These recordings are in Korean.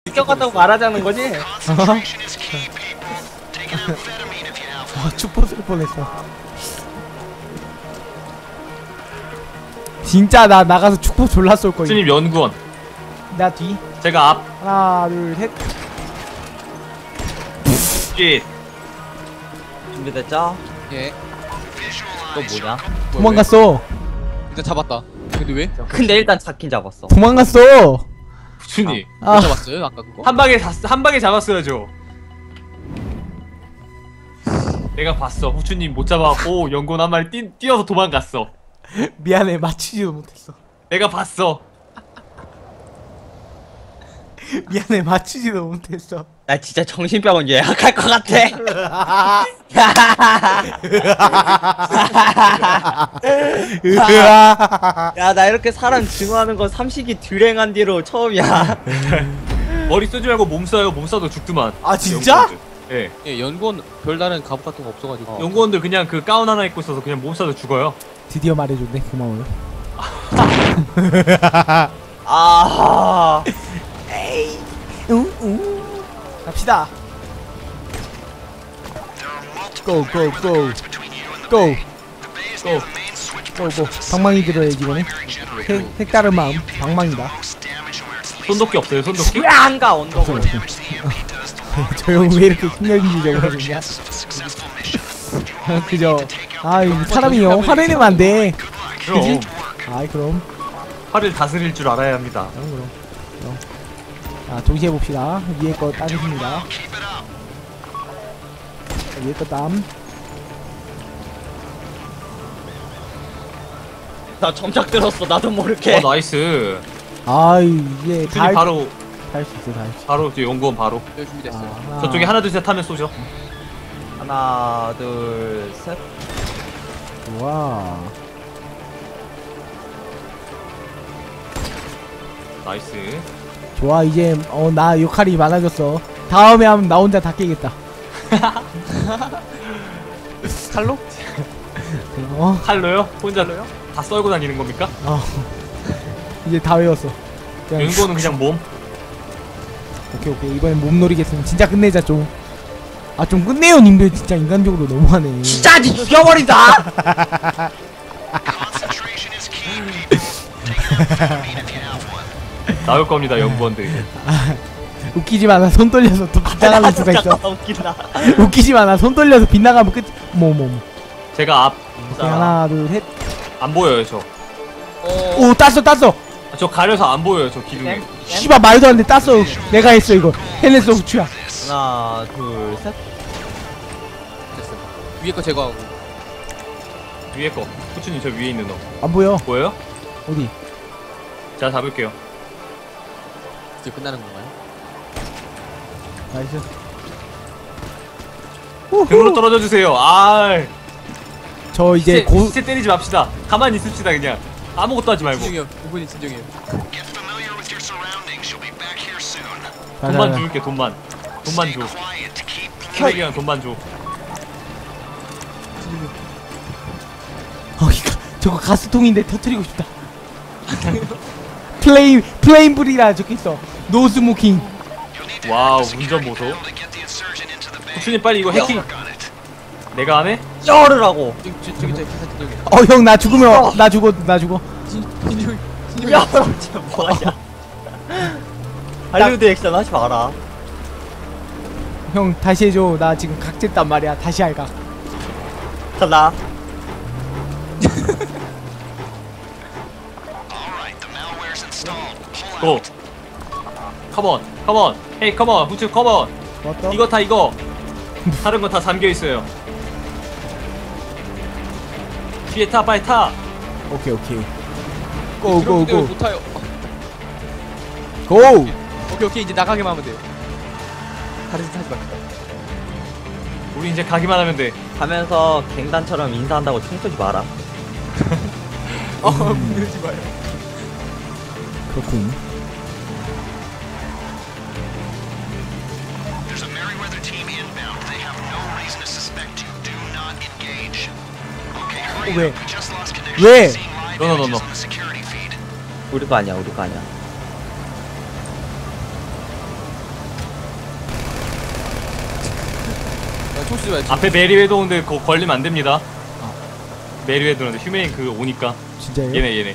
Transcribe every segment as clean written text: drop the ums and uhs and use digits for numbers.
느껴갔다고 말하자는 거지? 축포 쓸 뻔했어. 진짜 나 나가서 축포 졸라 쏠 거야. 스님 연구원. 나 뒤. 제가 앞. 하나 둘 셋. 깃. 준비됐죠? 예. 또 뭐냐? 도망갔어. 일단 잡았다. 근데 왜? 근데 일단 잡긴 잡았어. 도망갔어. 부추님. 아. 못 잡았어요? 아까 그거? 한 방에 잡았어야죠. 내가 봤어. 후추님 못 잡았고 연구원 한 마리 뛰어서 도망갔어. 미안해, 맞추지도 못했어. 내가 봤어. 미안해, 맞추지도 못했어. 나 진짜 정신병원 예약할 것 같아. 야, 나 이렇게 사람 증오하는 거 삼식이 듀랭한 뒤로 처음이야. 머리 쓰지 말고 몸 쏴요. 몸 쏴도 죽더만. 아, 진짜? 예. 예, 연구원 별다른 갑옷 같은 거 없어가지고. 연구원들 그냥 그 가운 하나 입고 있어서 그냥 몸 쏴도 죽어요. 드디어 말해줬네. 고마워요. 아, 갑시다. 고, 고, 고. 고. 고, 고. 방망이 들어야지, 이거는. 색다른 마음. 방망이다. 손도끼 없어요. 손도끼? 왜안 가, 언덕을. 저 형 왜 이렇게 폭력인지적으로 그러냐? 그죠? 아이, 사람이요. 화를 내면 안 돼. 그럼. 그지? 아이, 그럼. 화를 다스릴 줄 알아야 합니다. 그럼. 자, 동시에 봅시다. 위에 거 따겠습니다. 위에 거 땀. 나 점착 들었어, 나도 모르게. 나이스. 아이, 이제 다 후추님 바로 할 수 있어, 다 할 수 있어. 바로 이제 연구원 바로. 네, 준비됐어요. 아, 저쪽에 하나 둘 셋 하면 쏘죠. 하나, 둘, 셋. 와. 나이스. 좋아, 이제 나 역할이 많아졌어. 다음에 하면 나 혼자 다 깨겠다. 칼로? 칼로요? 혼자로요? 다 썰고 다니는 겁니까? 이제 다 외웠어. 그냥 연구원은 그냥 몸. 오케이. 이번엔 몸놀이겠으면 진짜 끝내자 좀. 아, 좀 끝내요, 님들. 진짜 인간적으로 너무하네. 진짜 니 죽여버린다! 나올 겁니다, 연구원들. 웃기지 마. 나 손 떨려서 또 빗나가는 수가 있어. 웃긴다. 웃기지 마. 나 손 떨려서 빗나가면 끝. 제가 앞. 오케이, 하나, 둘, 셋. 안 보여요, 저. 오, 땄어. 저 가려서 안 보여요, 저 기둥에. 씨발, 말도 안 돼. 땄어. 내가 했어, 이거. 해냈어, 후추야. 하나, 둘, 셋. 됐어. 위에 거 제거하고. 위에 거. 후추님 저 위에 있는 거. 안 보여. 보여요? 어디? 제가 잡을게요. 이제 끝나는 건가요? 나이스. 등으로 떨어져 주세요. 저 이제 시체 때리지 맙시다. 가만히 있읍시다, 그냥. 아무것도 하지 말고. 진정해요. 이분이 진정해요. 돈만 줄게, 돈만. 돈만 줘. 혈액이랑 돈만 줘. 저거 가스통인데 터트리고 싶다. 플레임불이라 적혀있어. 노 스모킹. 와우, 운전 보소. 후추님 빨리 이거 해킹. 내가 안 해? 쩔으라고. 저기 진정해. 형, 나 죽으면 나 죽어. 진정해. 야, 진짜 뭐하냐. 할리우드 액션 하지 마라. 형, 다시 해줘. 나 지금 각졌단 말이야. 다시 할까. 간다. 고. 컴온. 헤이, 컴온. 후추, 컴온. 왔다. 이거 다 이거. 다른 거 다 잠겨 있어요. 뒤에 타, 빨리 타. 오케이. 고. 못 타요. 고. 오케이. 이제 나가기만 하면 돼요. 다른 짓 하지 맙시다. 우리 이제 가기만 하면 돼. 가면서 갱단처럼 인사한다고 총 쏘지 마라. 그러지 마요. 그렇군. 왜? 노노노노. 우리 거 아니야. 쏘지 말지. 앞에 메리웨도 오는데 그거 걸리면 안 됩니다. 메리웨도는 휴메인 그 오니까. 진짜요? 얘네.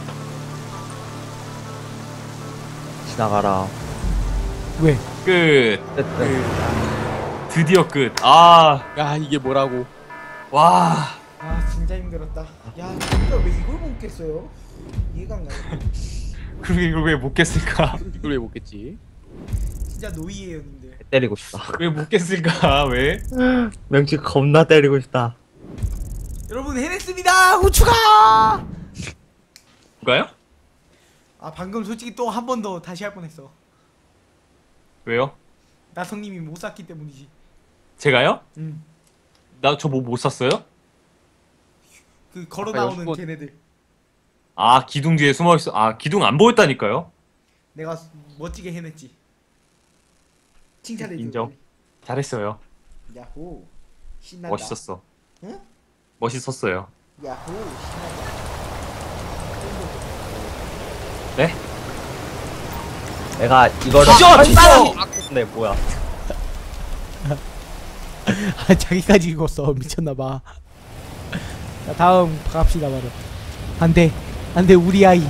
지나가라. 왜? 끝. 어쨌든 드디어 끝. 아, 야 이게 뭐라고? 와. 아 진짜 힘들었다. 야 진짜 왜 이걸 못 깼어요? 이해가 안 가요. 그러게 이걸 왜 못 깼을까? 이걸 왜 못겠지? 진짜 노이에요 님들. 때리고 싶다. 왜 못 깼을까? 왜? 명치 겁나 때리고 싶다. 여러분 해냈습니다. 후추가. 누가요? 아 방금 솔직히 또 한 번 더 다시 할 뻔했어. 왜요? 나성님이 못 샀기 때문이지. 제가요? 응. 나 저 뭐 못 샀어요? 그 걸어 아까 나오는 연습원- 네. 걔네들. 아, 기둥 뒤에 숨어 있어. 아, 기둥 안 보였다니까요. 내가 멋지게 해냈지. 칭찬해 줘. 인정. 잘했어요. 야호. 신난다. 멋있었어. 응? 멋있었어요. 야호. 신난다. 네? 내가 이거를 네 뭐야? 아 자기까지 읽었어. 미쳤나봐. 자 다음 갑시다 바로. 안돼 안돼 우리 아이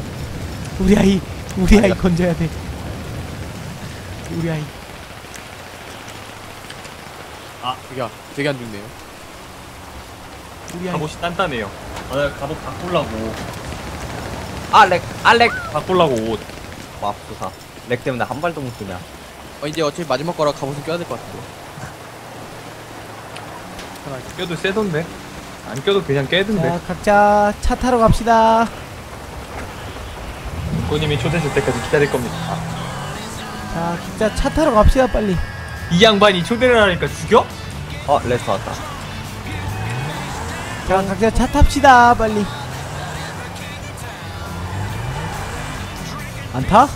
건져야 돼. 우리 아이. 되게 안 죽네요. 우리 아이. 갑옷이 단단해요. 아, 내가 갑옷 바꾸려고. 알렉 바꾸려고 옷. 맙소사. 렉 때문에 한 발도 못 쓰냐? 이제 어차피 마지막 거라 갑옷은 껴야 될 것 같아. 껴도 세던데. 안 껴도 그냥 깨던데. 자 각자 차 타러 갑시다. 부모님이 초대했을 때까지 기다릴 겁니다. 자 각자 차 타러 갑시다 빨리. 이 양반이 초대를 하니까 죽여? 레스 왔다. 자 각자 차 탑시다 빨리. 안 타?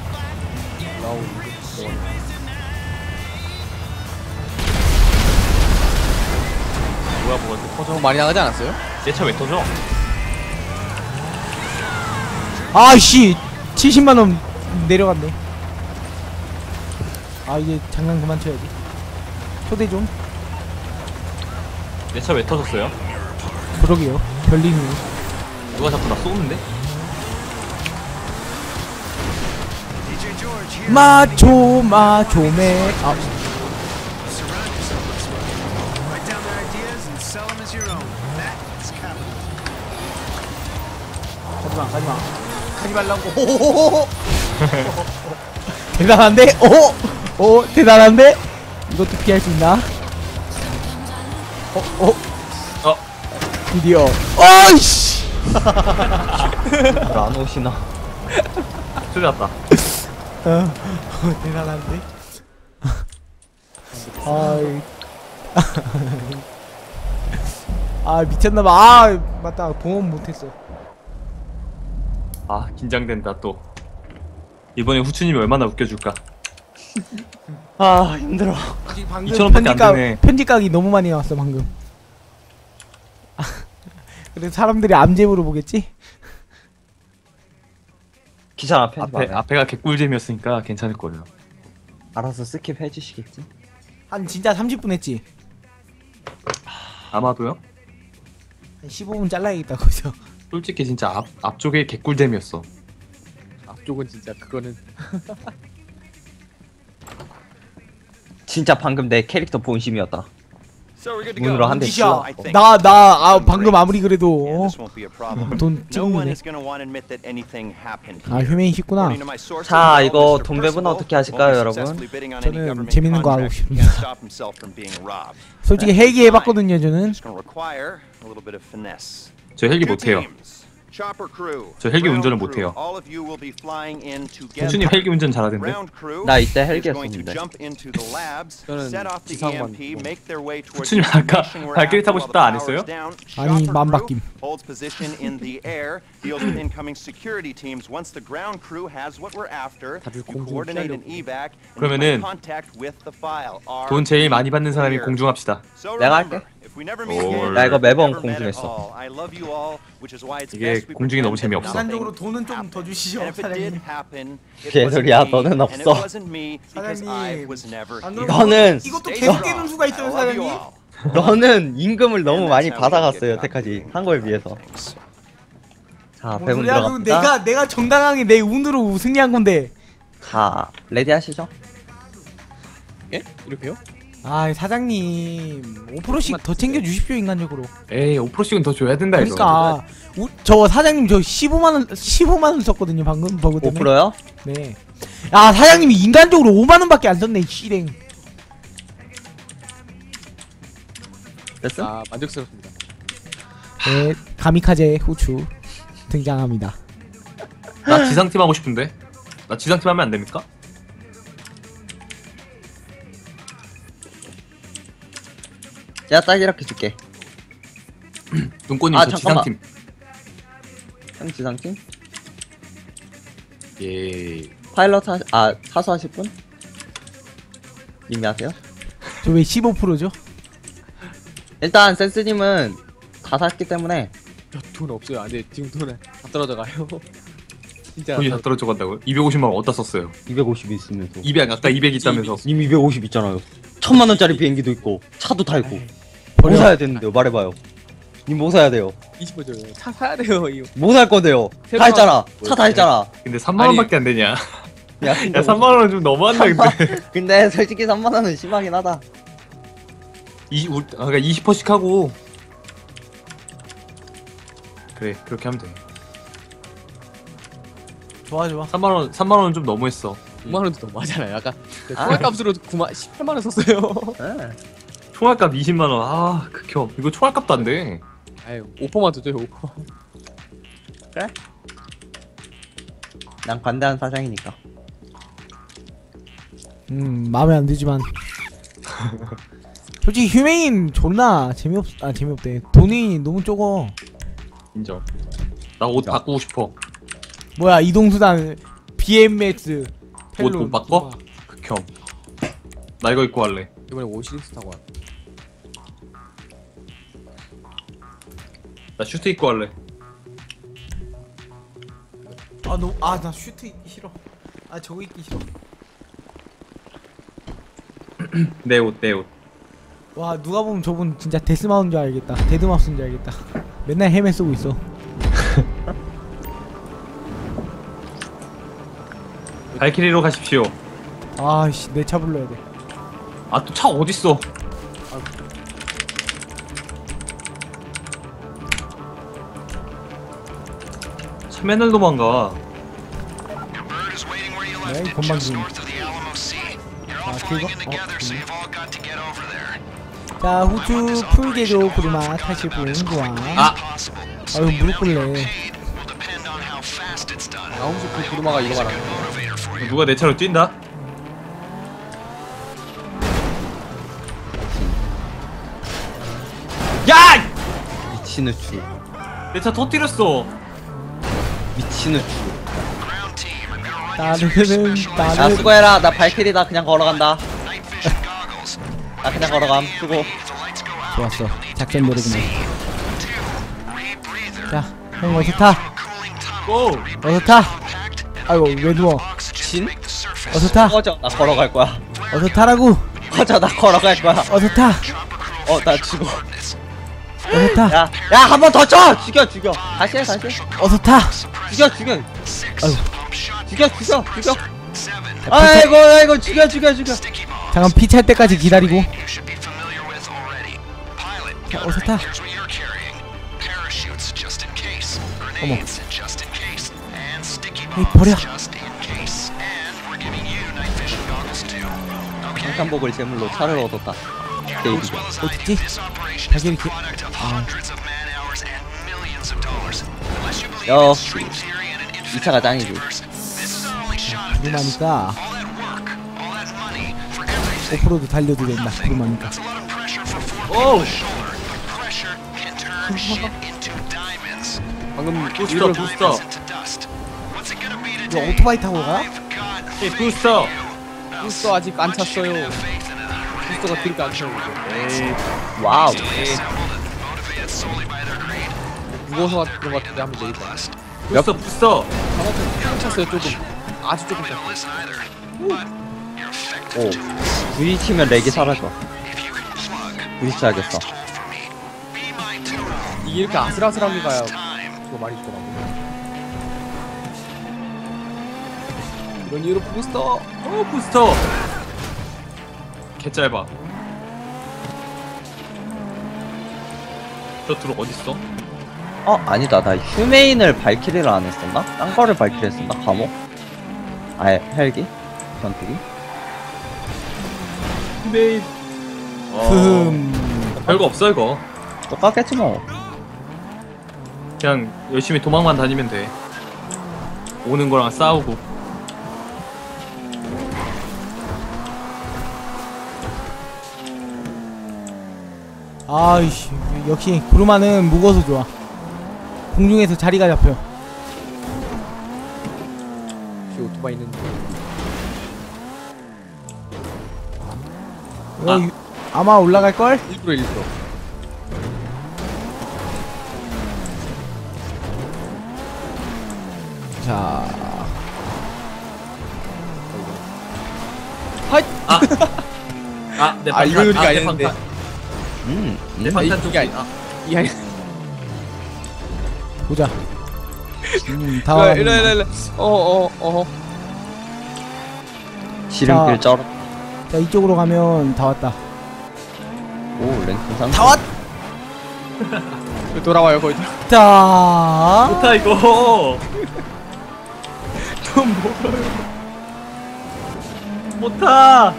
뭐야, 터져? 너무 많이 나가지 않았어요? 내 차 왜 터져? 아이씨 70만원 내려갔네. 아 이제 장난 그만 쳐야지. 초대 좀. 내 차 왜 터졌어요? 그러게요. 별님이. 누가 자꾸 나 쏘는데? 마초메. 아 가지마 가지 말라고. 호호호호. 대단한데? 오 대단한데? 이것도 피할 수 있나? 드디어. 어이씨. 안 오시나? 초대 왔다. 대단한데? 아이. 아 미쳤나봐. 아 맞다 봉헌 못했어. 아, 긴장된다 또. 이번에 후추님이 얼마나 웃겨줄까? 아 힘들어. 방금 2,000원밖에 안 되네. 편집각이 너무 많이 나왔어 방금. 그래서 사람들이 암잼으로 보겠지? 귀찮아 편집 안 해. 앞에가 개꿀잼이었으니까 괜찮을 거예요. 알아서 스킵 해주시겠지? 한 진짜 30분 했지? 아마도요? 한 15분 잘라야겠다 거기서. 솔직히 진짜 앞쪽에 개꿀잼이었어. 앞쪽은 진짜 그거는 진짜 방금 내 캐릭터 본심이었다. 문으로 한 대 짓이야. 찔렀고. 나 방금 아무리 그래도 돈 No one 찍는데. is going to want to admit that anything happened. 아 휴메인 쉽구나. 자, 이거 돈 배분 어떻게 하실까요, 여러분? 저는 재밌는 거 하고 싶습니다. 솔직히 헬기 해봤거든요 저는. 저 헬기 못해요. 저 헬기 운전을 못해요. 후추님 헬기 운전 잘하던데? 나 이때 헬기 했었는데. 저는 지상만 후추님 아까 발길이 타고 싶다 안 했어요? 아니 맘바뀜. holds position in the air, deals with incoming security teams. Once the ground crew has what we're after, 다들 you 공중 coordinate an 피하려고. evac and 그러면은 make contact with the file. 돈 제일 많이 받는 사람이 공중합시다. So 내가 remember, 할게. if we never meet again, 나 이거 매번 never met at 공중했어. all. I love you all, which is why it's 이게 best we 공중이 너무 pretend that 재미없어. 인간적으로 nothing 돈은 좀 happened. 더 주시죠, And if it did 사장님. happen, it 개소리야, wasn't me, 너는 and it 없어. wasn't me because I 사장님. was never 안 here. 너는 이것도 Stay 계속 strong. 깨는 수가 있어요, I love you 사장님. all. 너는 임금을 너무 많이 받아갔어 여태까지 한 거에 비해서. 자, 뭔 배분 소리야? 그럼 들어갑니다. 내가 정당하게 내 운으로 승리한 건데. 자, 레디 하시죠. 예? 이렇게요? 아, 사장님 5%씩 더 챙겨 주십시오, 인간적으로. 에이 5%씩은 더 줘야 된다 이거. 그러니까 저 사장님 저 15만 원 썼거든요, 방금 버그 때문에. 5%요? 네. 야, 사장님이 인간적으로 5만 원밖에 안 썼네, 이 씨랭. 됐어? 아 만족스럽습니다. 네, 가미카제 후추 등장합니다. 나 지상팀 하고 싶은데. 나 지상팀 하면 안 됩니까? 내가 딱 이렇게 줄게. 눈꽃님 아, 저 잠깐만. 지상팀. 형 지상팀? 예. 파일럿 사수하실 분? 님이 하세요? 저 왜 15%죠? 일단 센스님은 다 샀기 때문에 돈 없어요. 안돼 지금 돈 다 떨어져 가요. 진짜. 돈이 다 떨어져 간다고요? 250만 원 어디다 썼어요? 250 있으면서 200 아까 200 있다면서. 님 250 있잖아요. 1000만 원짜리 비행기도 있고 차도 타고 뭐 버려. 사야 되는데요? 말해봐요. 님 뭐 사야 돼요? 20%죠. 차 사야 돼요 이거. 뭐 살 건데요? 다 새로 했잖아. 차 다 했잖아. 근데 3만 원밖에 안 되냐? 야, 야 3만 원은 좀 너무한다 근데. 근데 솔직히 3만 원은 심하긴 하다. 그러니까 20%씩 하고. 그래 그렇게 하면 돼. 좋아, 좋아. 3만 원은 좀 너무했어. 9만 원도 너무하잖아요. 아까 총알값으로 18만 원 썼어요. 네. 총알값 20만 원. 아 극혐. 이거 총알값도 안 돼. 아유 5%만 더 줘요. 5%. 그래? 난 관대한 사장이니까. 마음에 안 들지만 솔직히 휴메인 존나 재미없대. 돈이 너무 적어. 인정. 나 옷 바꾸고 싶어. 뭐야, 이동수단 BMX 옷 못 바꿔? 극혐. 나 이거 입고 할래. 이번에 5시리즈 타고 와. 나 슈트 입고 할래. 나 슈트 입기 싫어. 저거 입기 싫어. 내 옷, 내 옷. 와, 누가 보면 저분 진짜 데스마우스인 줄 알겠다. 데드마우스인 줄 알겠다. 맨날 헬멧 쓰고 있어. 발키리로 가십시오. 아씨, 내 차 불러야 돼. 아 또 차 어딨어? 차 맨날 도망가. 네, 이 건방진. 자, 후추 풀게조 구르마 타실 분 구와. 아! 아유, 무릎 꿇래. 아홉시 그 구르마가 이거 말하는. 누가 내 차로 뛴다? 야! 미친의 추. 내 차 터뜨렸어. 미친의 추. 나는 수고해라. 나 발키리다. 그냥 걸어간다. 나 그냥 걸어감. 수고. 좋았어. 작전 노래구만. 자, 형 어서 타. 고! 어서 타. 아이고, 왜 누워? 진? 어서 타. 꺼져. 나 걸어갈 거야. 어서 타라고. 꺼져. 나 걸어갈 거야. 어서 타. 나 죽어. 어서 타. 야, 한 번 더 쳐! 죽여. 다시 해. 어서 타. 죽여. 아이고, 죽여. 아이고, 죽여. 잠깐 피 찰 때까지 기다리고. 자, 어서 타. 어머. 에이, 버려. 한복을 제물로 차를 얻었다. 데이비드. 어딨지? 자기 이렇게. 역시 이 차가 짱이지. 구름하니까 5%도 달려도 된다. 구름하니까. 오! 방금 부스터. 너 오토바이 타고 가? 이 부스터. 부스터 아직 안 찼어요. 부스터가 드릴까 안 쳐요 이제. 와우. 무거워서 그런 것 같은데 한번 내릴까. 부스터. 조금 찼어요 조금. 아주 조금 찼어요. 오. 부딪히면 렉이 사라져. 부딪혀야겠어. 이게 이렇게 아슬아슬하게 가야 그거 많이 있더라고. 이런 이유로 부스터. 부스터. 개 짧아. 저 드록 어딨어? 아니다. 나 휴메인을 발키리를 안 했었나? 딴 거를 발키리 했었나? 감옥? 아예 헬기? 전투기? 메인. 별거 없어 이거. 똑같겠지 뭐. 그냥 열심히 도망만 다니면 돼. 오는 거랑 싸우고. 아이씨 역시 구르마는 무거워서 좋아. 공중에서 자리가 잡혀. 혹시 오토바이 있는데. 아마 올라갈걸? 일부러. 자 내 아, 이거 요리가 아니었는데. 내 방탄 좀. 이게 아니. 보자. 다 왔네. 이래. 지름길 쩔어. 자 이쪽으로 가면 다 왔다. 오, 랭킹 상. 다 왔. 돌아와요 거의. 자. 좋다 이거. 좀 멀어요. 못타.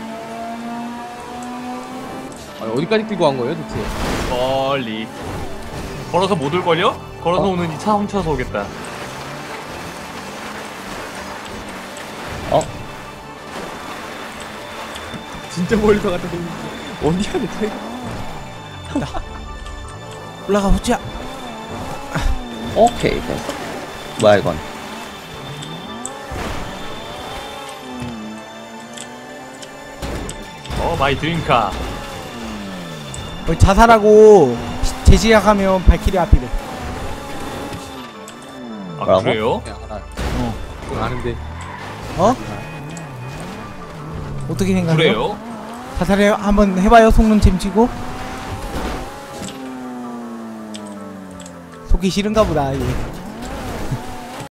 어디까지 끌고 간 거예요 대체? 멀리. 걸어서 못 올걸요? 걸어서 오는 이 차 훔쳐서 오겠다. 진짜 멀리서 갔다 오는데 어디야 대체? 올라가 보자. 오케이, 됐어. 뭐야 이건? 마이 드림카. 자살하고 재시작하면 발키리 앞이래. 뭐라고? 그래요? 야 알아. 그건 아는데. 어? 어떻게 생각해요? 그래요? 자살해 한번 해봐요. 속눈 잼치고. 속기 싫은가 보다 얘.